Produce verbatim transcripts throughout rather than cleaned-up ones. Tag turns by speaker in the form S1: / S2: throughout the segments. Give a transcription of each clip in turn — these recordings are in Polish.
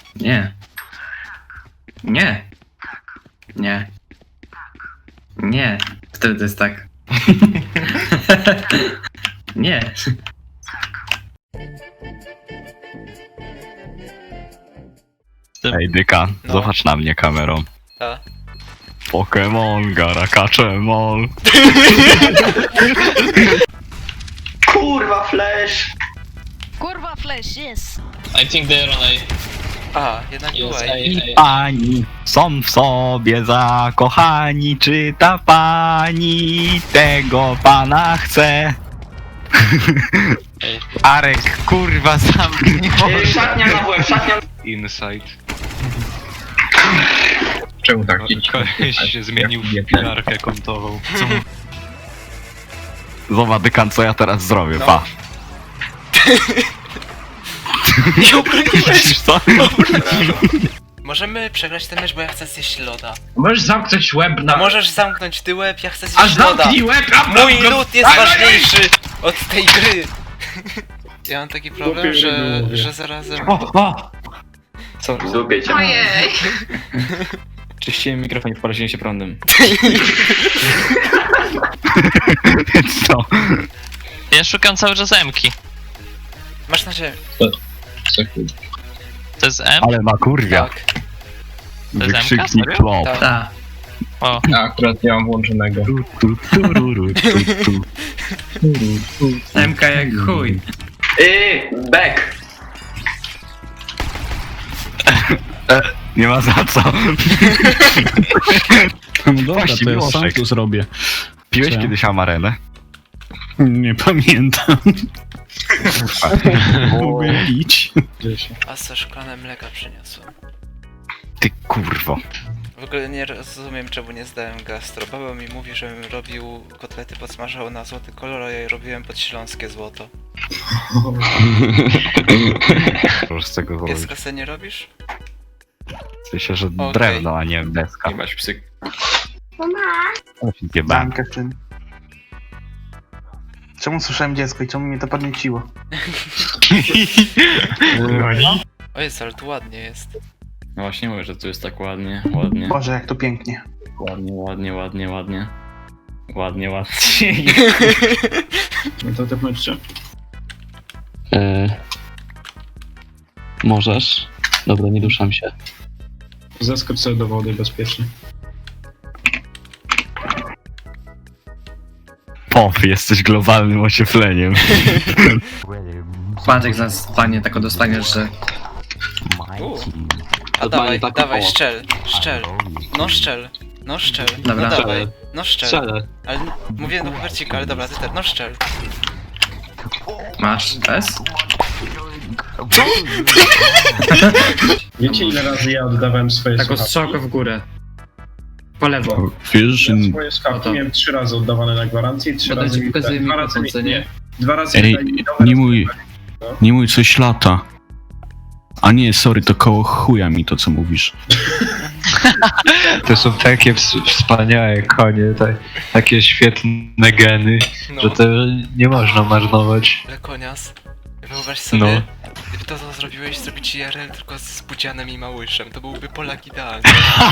S1: Nie. Nie. Nie. Nie. Wtedy to jest tak. Nie.
S2: Ej, Dyka,
S3: No.
S2: zobacz na mnie kamerą.
S3: A.
S2: Pokémon, Garakaczemon.
S4: Kurwa, flash!
S5: Kurwa flash, yes!
S6: I think they're on A.
S3: A, jednak
S6: Yes,
S3: była.
S6: I, I,
S2: Pani są w sobie zakochani, czy ta pani tego pana chce?
S6: Ej.
S2: Arek, kurwa, zamknij
S4: Yy,
S2: mordę.
S4: szatnia na łeb, szatnia na
S7: Inside.
S8: Czemu tak?
S7: Koleś się zmienił w pilarkę kątową.
S2: Zobacz, Dykan, co ja teraz zrobię,
S3: No.
S2: pa.
S3: Nie obroniłeś!
S2: Widzisz co?
S3: Możemy przegrać ten mecz, bo ja chcę zjeść loda.
S8: Możesz zamknąć łeb
S3: A
S8: na...
S3: możesz zamknąć ty łeb, ja chcę
S8: Aż
S3: zjeść loda.
S8: zamknij łeb! a-
S3: Mój
S8: a-
S3: lód jest
S8: a- a-
S3: ważniejszy od tej gry. Ja mam taki problem, że, że zarazem...
S9: O, o! Co?
S4: Złupię cię.
S5: Ojej!
S9: Czyściłem mikrofon i poraziłem się prądem.
S2: Więc co?
S6: Ja szukam cały czas M-ki.
S3: Masz na ziemi.
S6: To jest M?
S2: Ale ma kurwia.
S3: Tak.
S6: To jest
S2: Wykrzyknik
S6: M K?
S2: flop.
S3: Tak.
S1: Ta.
S6: O,
S8: A, akurat nie mam włączonego.
S2: Tu, tu, tururu, tu, tu.
S1: M K jak chuj.
S4: Yy, back!
S2: Nie ma za co.
S10: No dobra,
S2: Właściwie
S10: to ja sam
S2: Oszek.
S10: to zrobię.
S2: Piłeś
S10: Co?
S2: kiedyś amarenę?
S10: Nie pamiętam. Mogę pić.
S3: A co szklane mleka przyniosłem.
S2: Ty kurwo.
S3: W ogóle nie rozumiem, czemu nie zdałem gastro. Baba mi mówi, żebym robił kotlety podsmażał na złoty kolor, a ja je robiłem pod śląskie złoto.
S2: Możesz z tego zrobić.
S3: Pieska se nie robisz?
S2: W sensie, że
S3: Okej.
S2: drewno, a nie deska.
S9: Nie masz psyk.
S2: Gieba.
S11: Zamkę w tym. Czemu słyszałem dziecko i czemu mnie to podnieciło?
S3: O jest, ale tu ładnie jest.
S9: No właśnie mówię, że tu jest tak ładnie, ładnie.
S11: Boże, jak to pięknie.
S9: Ładnie, ładnie, ładnie, ładnie. Ładnie, ładnie.
S10: No to tepnąćcie.
S12: Eee, możesz. Dobra, nie duszam się.
S10: Zeskocz sobie do wody bezpiecznie.
S2: Pop, jesteś globalnym ociepleniem.
S1: Patrz jak zostanie, tak dostaniesz, że...
S3: U. A
S12: Normalnie
S3: dawaj,
S12: tak
S3: dawaj,
S12: o.
S3: szczel, szczel. No szczel, no szczel.
S1: Dobra.
S3: No dawaj, no szczel.
S12: Strzelę.
S3: Ale mówiłem do Hubercika, ale dobra, ty też, no szczel.
S1: Masz S?
S10: Wiecie ile razy ja oddawałem swoje
S1: Taką strzałkę w górę. Po lewo.
S10: Wiesz, że... Swoje
S1: O
S10: skawki
S1: to.
S10: miałem trzy razy oddawane na gwarancję i trzy
S1: Potem
S10: razy...
S1: ci pokazuję
S10: dwa
S1: mikrofon,
S10: razy
S1: co nie?
S10: Dwa razy
S12: Ej,
S10: dali mi nowe,
S12: nie
S10: raz
S12: mój,
S10: dali-
S12: nie mój coś lata. A nie, sorry, to koło chuja mi to, co mówisz.
S7: To są takie ws- wspaniałe konie, tak, takie świetne geny,
S3: No,
S7: że to nie można marnować.
S3: Lekonias. Wyobraź sobie,
S7: No.
S3: gdyby to, co zrobiłeś, zrobić I R L tylko z Budzianem i Małyszem. To byłby Polak idealny.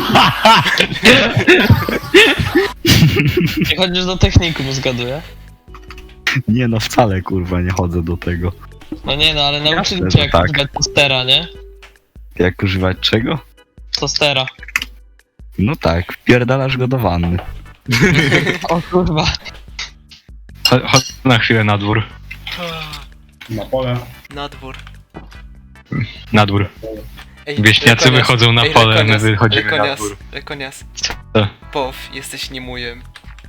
S6: nie chodzisz do technikum, zgaduję?
S2: Nie no, wcale kurwa nie chodzę do tego.
S6: No nie no, ale nauczyli
S2: Jasne,
S6: cię
S2: że
S6: jak
S2: tak.
S6: używać tostera, nie?
S2: Jak używać czego?
S6: Tostera.
S2: No tak, wpierdalasz go do wanny.
S6: O kurwa.
S7: Cho- Chodź na chwilę na dwór.
S10: Na pole.
S3: Na dwór.
S7: Na dwór.
S3: Ej,
S7: Wieśniacy
S3: Lekonias,
S7: wychodzą na
S3: ej,
S7: pole, my
S3: Lekonias,
S7: wychodzimy na
S3: Lekonias,
S7: dwór.
S3: Lekonias.
S7: Co?
S3: Pow, jesteś niemujem.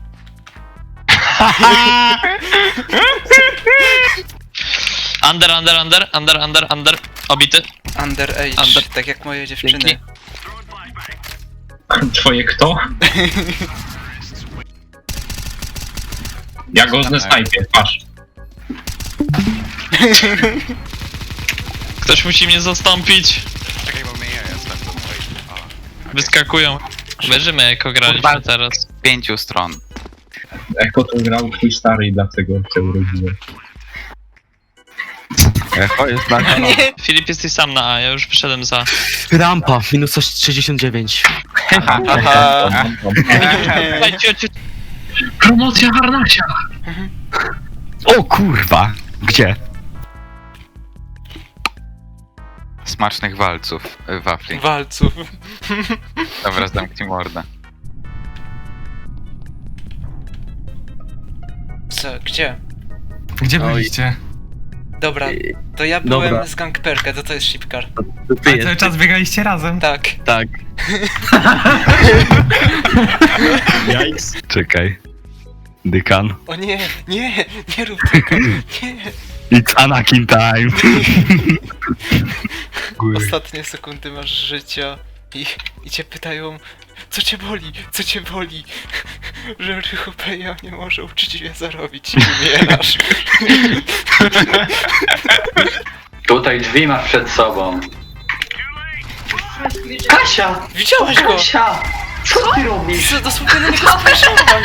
S6: Under, under, under, under, under, under. Obity.
S3: Underage,
S6: Under.
S3: tak jak moje dziewczyny.
S6: Dzięki.
S8: Twoje kto? Ja go znajpię, patrz.
S6: Ktoś musi mnie zastąpić. Wyskakują. Wierzymy, jako graliśmy teraz.
S2: Pięciu stron.
S8: Jak to grał twój stary i dlatego cię urodziłem.
S7: Echo jest na
S3: Nie!
S6: Filip, jesteś sam na A, ja już wyszedłem za.
S12: Rampa, minus sześćdziesiąt dziewięć.
S3: Aha.
S6: Ej, cio, cio.
S8: Promocja harnasia!
S2: O kurwa! Gdzie?
S7: Smacznych walców, y, wafli.
S3: Walców.
S7: Dobra, zamknij mordę.
S3: Co, gdzie?
S12: Gdzie byliście?
S3: Dobra, to ja byłem
S12: Dobra.
S3: z Gangperka, to to jest Shipcar.
S12: A cały czas biegaliście razem?
S3: Tak.
S12: Tak.
S10: Jajks.
S2: Czekaj. Dykan.
S3: O nie, nie, nie rób tego, nie.
S2: It's Anakin time!
S3: Ostatnie sekundy masz życia i, i cię pytają, co cię boli, co cię boli, że Rychupeja nie może uczciwie zarobić i umierasz.
S9: Tutaj drzwi masz przed sobą.
S4: Kasia!
S3: Widziałaś go!
S4: Kasia! Co ty robisz?
S3: Co, dosłownie na niego spojrzałam.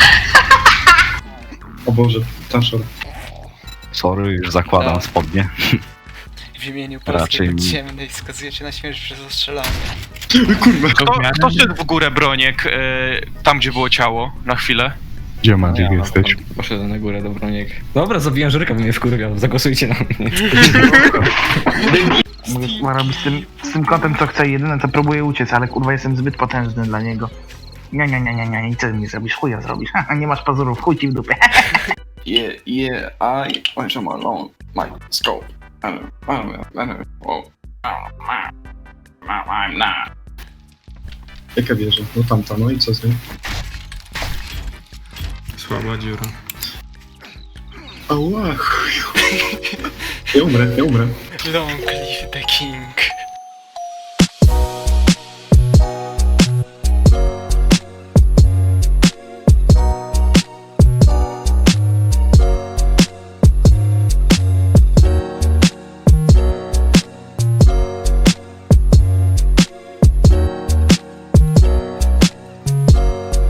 S10: O Boże, Taszor.
S2: Sorry, już zakładam
S3: Tak.
S2: spodnie.
S3: W imieniu Polski
S2: Raczej mi-
S3: podziemnej skazujecie na śmierć przez ostrzelanie.
S12: Kto, kto szedł w górę, Broniek, tam gdzie było ciało, na chwilę?
S2: Gdzie Magic jesteś?
S9: Poszedłem na górę do Broniek. Dobra, zabijam Żurka, bo mnie wkurwiał. Zagłosujcie na mnie.
S11: Ma robić z tym, z tym kotem co chce, jedyne co próbuje uciec, ale kurwa jestem zbyt potężny dla niego. Nie, nie, nie, nie, nie, i co mi zrobisz? Chuja zrobisz. Nie masz pazurów, chuj ci w dupę.
S9: Yeah, yeah, I went on alone. My scope. I'm not.
S10: Jaka wieża? No tamta, no i co z nim?
S12: Słaba dziura.
S10: Ała, chuju. Nie umrę, nie umrę.
S3: Long live the king.